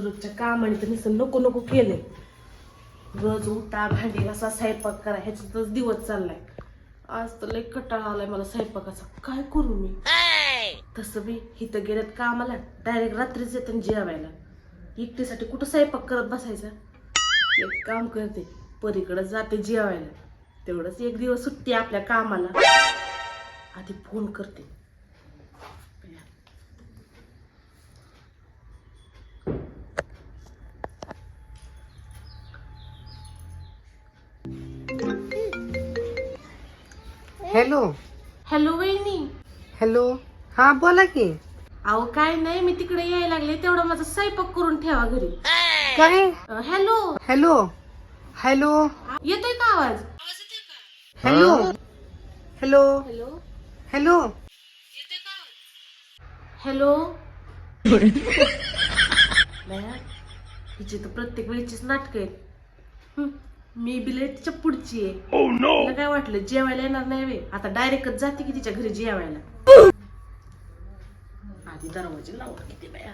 रोजच्या कामाने तर नुसतं नको नको केले. रोज उठा, भांडी घासा, स्वयंपाक करा, ह्याच्यातच दिवस चाललाय. आज तर लय कंटाळा आलाय मला स्वयंपाकाचा. काय करू मी? तसं बी इथं गेल्यात कामाला, डायरेक्ट रात्रीच येतात जेवायला. एकटीसाठी कुठं स्वयंपाक करत बसायचा. एक काम करते, परीकडे जाते जेवायला. तेवढंच एक दिवस सुट्टी आपल्या कामाला. आधी फोन करते. हॅलो. हॅलो वहिनी. हॅलो. हा बोला की. अहो काय नाही, मी तिकडे यायला लागले, तेवढा माझा स्वयंपाक करून ठेवा घरी. काय? हॅलो. हॅलो. हॅलो. येतोय का आवाज? Hello. Hello. Hello. Hello. Hello. हिची तर प्रत्येक वेळेचीच नाटक आहेत. मी बिलेटच्या पुढची आहे. तिला काय वाटलं जेवायला येणार नाही वे, आता डायरेक्टच जाते की तिच्या घरी जेवायला. आधी दरवाजे लावून किती बाया.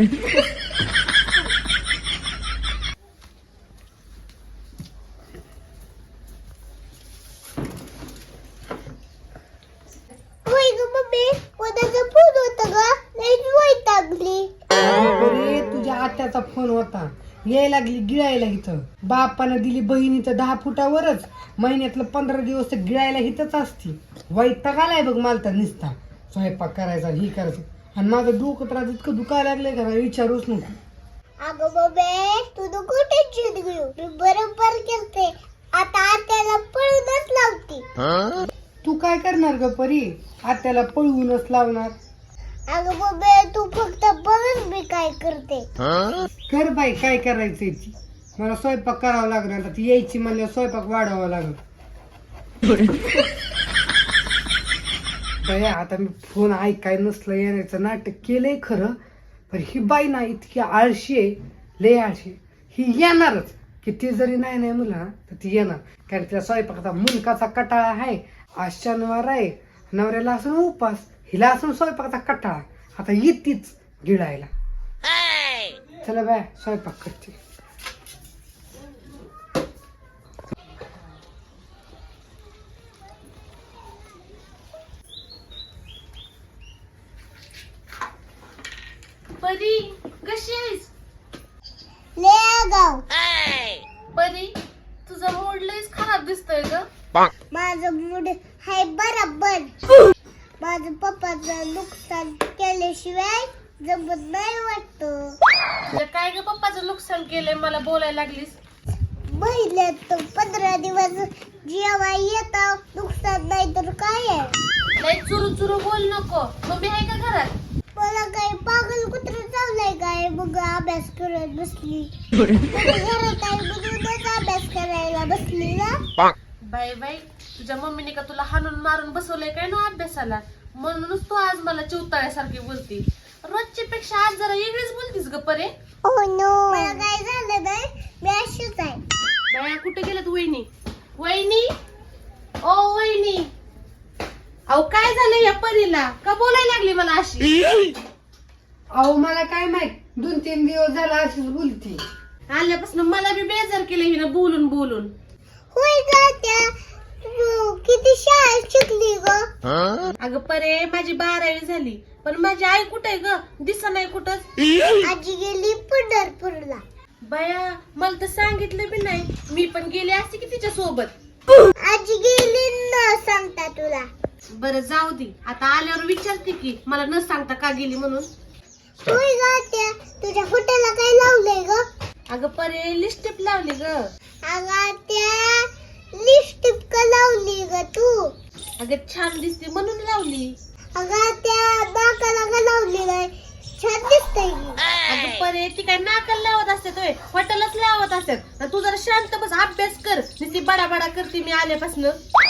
अरे तुझ्या आत्याचा फोन होता, यायला लागली गिळायला इथं. बापानं दिली बहिणीचं 10 फुटावरच, महिन्यातलं 15 दिवस तर गिळायला इथंच असती. वैताग आलाय बघ मला तर निसता स्वयंपाक करायचा, ही करायचं. आणि माझं डोकं त्रास इतकं दुखायला लागलंय का विचारूच नको. अगं बाबे, तू नको टेन्शन घेऊ, मी बरोबर करते. आता आत्याला पळूनच लावते. तू काय करणार ग परी? आत्याला पळवूनच लावणार? अगं बाबे, तू फक्त बघच मी काय करते. कर बाई, काय करायचंय ती. मला स्वयंपाक करावा लागणार, आता ती यायची म्हणल्यावर स्वयंपाक वाढवावा लागल. बाई आता मी फोन ऐकाय नसलं येण्याचं नाटक केलंय खरं, पण ही बाई ना इतकी आळशी आहे, लय आळशी. ही येणारच, किती जरी नाही नाही मुला तर ती येणार. कारण तिला स्वयंपाकाचा मुलकाचा कटाळा आहे. आज शनिवार आहे, नवऱ्याला असून उपास, हिला असून स्वयंपाकाचा कटाळा. आता येतीच गिळायला. चला बाय, स्वयंपाक करते. परी कशी आहेस? ले गाव, परी तुझा मूड लयच खराब दिसतोय ग. माझं मूड हाय बरोबर. माझं पप्पाचं नुकसान केल्याशिवाय जमत नाही वाटत. तुझ्या काय ग पप्पाचं नुकसान केलंय मला बोलायला लागलीस? महिन्यात 15 दिवस जेव्हा येतं, नुकसान नाही तर काय आहे. लय चुरू चुरू बोल नको. मम्मी आहे का घरात? मला काय पागल कुत्र चावलंय काय? मग अभ्यास करत बसली. घरात आहे म्हणूनच अभ्यास करायला बसली ना. बाई बाई, तुझ्या मम्मीने का तुला हाणून मारून बसवलंय काय ना अभ्यासाला? म्हणूनच तू आज मला चिवताळ्यासारखी बोलती. रोजच्या पेक्षा आज जरा वेगळीच बोलतीस ग परे. मला काय झालं नाही, मी अशीच आहे. बाया कुठे गेल्यात वहिनी? वहिनी, ओ वहिनी. अहो काय झालं या परीला? का बोलायला लागली मला अशी? अहो मला काय माहित, 2-3 दिवस झाला अशीच बोलती. आल्यापासून मला बी बेजार केलं हिनं बोलून बोलून. होय का त्या, तू किती शाळेत शिकली ग? अगं परे, माझी 12वी झाली, पण माझी आई कुठे ग? दिसा नाही कुठंच. आजी गेली पंढरपूरला. बाया मला तर सांगितलं बी नाही. मी पण गेले असते की तिच्या सोबत. आजी गेली न सांगता तुला. बरं जाऊ दे, आता आल्यावर विचारते की मला न सांगता का गेली म्हणून. होय का त्या, तुझ्या हॉटेलला काय लावलंय ग? अगं परे लिपस्टिक लावली ग. अगं त्या, लिपस्टिक का लावली ग तू? अगं छान दिसते म्हणून लावली. अगं त्या नाकाला का लावली नाही? छान दिसतंय की. अगं परे, ती काय नाकाला लावत असतात होय? हॉटेलच लावत असतात. तू जरा शांत बस, अभ्यास कर. नुसती बडा बडा करते मी आल्यापासून.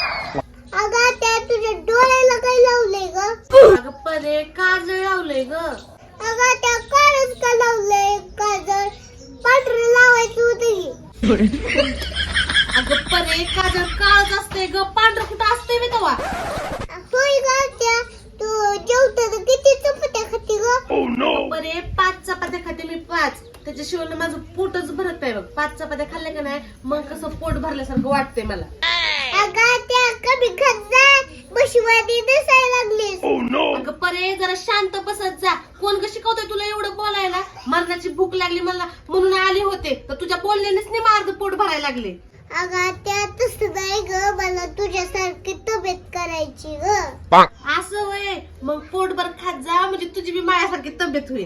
अगं त्या, तुझ्या डोळ्याला काय लावलंय ग? अगं परे काजळ लावलंय ग. अगं त्या काळच का लावलंय? काजळ पांढरं लावायचं होतं की. अगं परे काजळ काळच असते ग, पांढरं कुठं असते मी तेव्हा. होय का त्या, तू जेवताना किती चपात्या खाते ग? बरे 5 चपात्या खाते मी, 5. त्याच्याशिवाय ना माझं पोटच भरत नाही बघ. 5 चपात्या खाल्ल्या का नाही मग कसं पोट भरल्यासारखं वाटतंय मला. अगं त्या कमी खात जा, बशिवादी दिसायला लागलीस. अगं परे जरा शांत बसत जा. कोण ग शिकवतोय तुला एवढं बोलायला? मरणाची भूक लागली मला म्हणून आले होते, तर तुझ्या बोलण्यानेच नाही माझं पोट भरायला लागले. अगं त्या तसं नाही ग, मला तुझ्यासारखी तब्येत करायची ग. असं वय मग पोटभर खात जा म्हणजे तुझी बी माझ्यासारखी तब्येत होईल.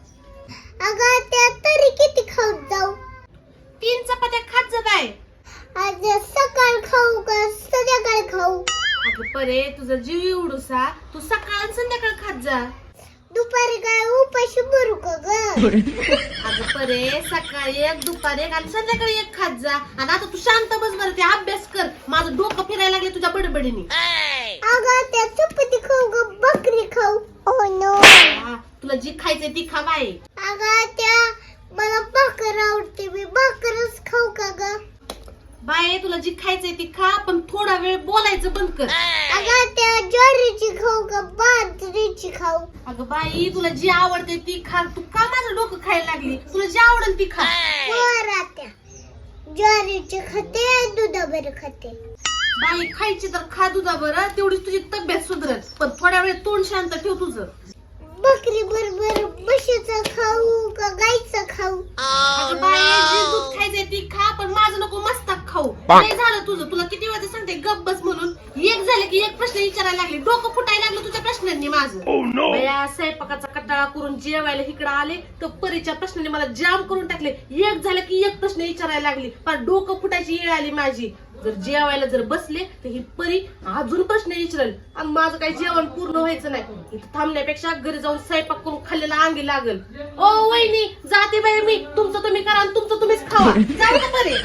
अगं त्या तरी किती खाऊन जाऊ? 3 चपात्या खात जा बाय. आज सकाळ खाऊ का संध्याकाळ खाऊ? अगं परे तुझा जीव एवढूसा, तू सकाळ आणि संध्याकाळ खात जा. दुपारी काय उपाशी मरू का ग? अगं परे सकाळी 1, दुपारी 1 आणि संध्याकाळी 1 खात जा. आणि आता तू शांत बस बरं, ते अभ्यास कर. माझं डोकं फिरायला लागले तुझ्या बडबडीने. अगं त्या चपाती खाऊ का भाकरी खाऊ? Oh no. तुला जी खायचंय ती खा बाई. अगं त्या मला भाकर आवडते, मी भाकरच खाऊ का ग? बाई तुला जी खायचंय ती खा, पण थोडा वेळ बोलायचं बंद कर. अगं त्या ज्वारीची खाऊ का बाजरीची खाऊ? अगं बाई तुला जी आवडते ती खा. तू का माझं डोकं खायला लागली? तुला जी आवडेल ती खा. बरं त्या ज्वारीची खाते, दुधाबर खाते. बाई खायची तर खा दुधा बरं, तेवढीच तुझी तब्येत सुधरत. पण थोड्या वेळ तोंड शांत ठेव तुझं. बकरी बरोबर म्हशीचं खाऊ का गाईचं खाऊ? अगं बाई जी दूध खायचंय ती खा, पण माझं नको मस्ताक खाऊ. नाही झालं तुझं. तुला किती वेळा सांगते गप बस म्हणून. एक झालं की एक प्रश्न विचारायला लागले. डोकं फुटायला लागलं तुझ्या प्रश्नांनी माझं. बया स्वयंपाकाचा कंटाळा करून जेवायला इकडे आले तर परीच्या प्रश्नाने मला जाम करून टाकले. एक झालं की एक प्रश्न विचारायला लागली. पण डोकं फुटायची वेळ आली माझी. जर जेवायला जर बसले तर ही परी अजून प्रश्न विचारेल आणि माझं काही जेवण पूर्ण व्हायचं नाही. इथं थांबण्यापेक्षा घरी जाऊन स्वयंपाक करून खाल्लेला अंगी लागल. ओ वहिनी जाते बाई मी. तुमचं तुम्ही करा आणि तुमचं तुम्हीच खावा. जाऊ का परी?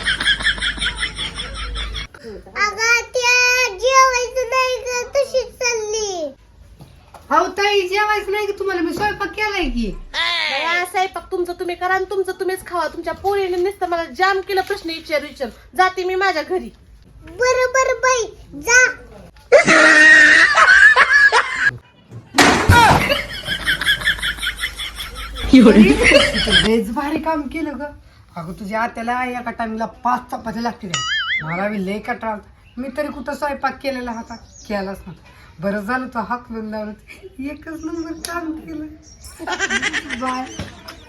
अगं त्या जेवायचं नाही का, तशीच चालली. हो ताई जेवायचं नाही की तुम्हाला? मी स्वयंपाक केलाय की. बया, स्वयंपाक तुमचं तुम्ही करा आणि तुमचं तुम्हीच खावा. तुमच्या पोरीने नुसतं मला जाम केलं प्रश्न विचार. जाते मी माझ्या घरी. बरं बरं बाई जा. लयच भारी काम केलं ग. अगं तुझ्या आत्याला एका टाइमला 5 चपात्या लागतील. मला बी लय कटाळ. मी तरी कुठं स्वयंपाक केलेला होता? केलाच ना. बरं झालं तो हाकलून लावलं. एकच नंबर काम केलं. बाय.